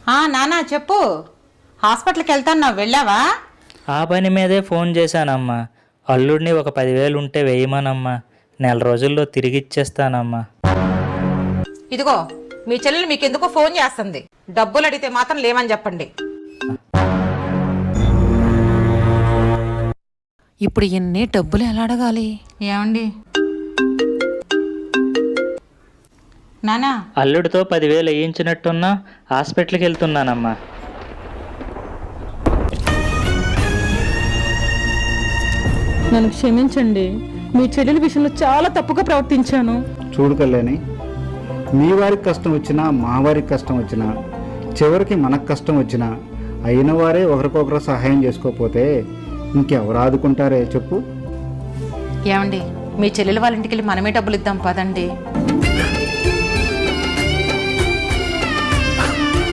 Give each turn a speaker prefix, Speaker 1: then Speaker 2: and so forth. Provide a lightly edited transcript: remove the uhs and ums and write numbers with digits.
Speaker 1: నానా చెప్పు. హాస్పిటల్కి వెళ్తాను, వెళ్ళావా?
Speaker 2: ఆ పని మీదే ఫోన్ చేశానమ్మా. అల్లుడిని ఒక 10,000 ఉంటే వేయమనమ్మా. నెల రోజుల్లో తిరిగిచ్చేస్తానమ్మా.
Speaker 1: ఇదిగో మీ చెల్లెలు మీకెందుకో ఫోన్ చేస్తుంది. డబ్బులు అడిగితే మాత్రం లేవని చెప్పండి. ఇప్పుడు ఎన్ని డబ్బులు ఎలా అడగాలి? ఏమండి నానా,
Speaker 2: అల్లుడితో 10,000 వేయించినట్టున్నా హాస్పిటల్కి వెళ్తున్నానమ్మా.
Speaker 3: నన్ను క్షమించండి, మీ చెల్లెల విషయంలో చాలా తప్పుగా ప్రవర్తించాను.
Speaker 4: చూడు కళ్యాణి, మీ వారికి కష్టం వచ్చినా మా వారికి కష్టం వచ్చినా చివరికి మనకు కష్టం వచ్చినా అయిన వారే ఒకరికొకరు సహాయం చేసుకోకపోతే ఇంకెవరు ఆదుకుంటారే చెప్పు.
Speaker 1: ఏమండి మీ చెల్లెలు వాళ్ళ ఇంటికి వెళ్ళి మనమే డబ్బులు ఇద్దాం పదండి.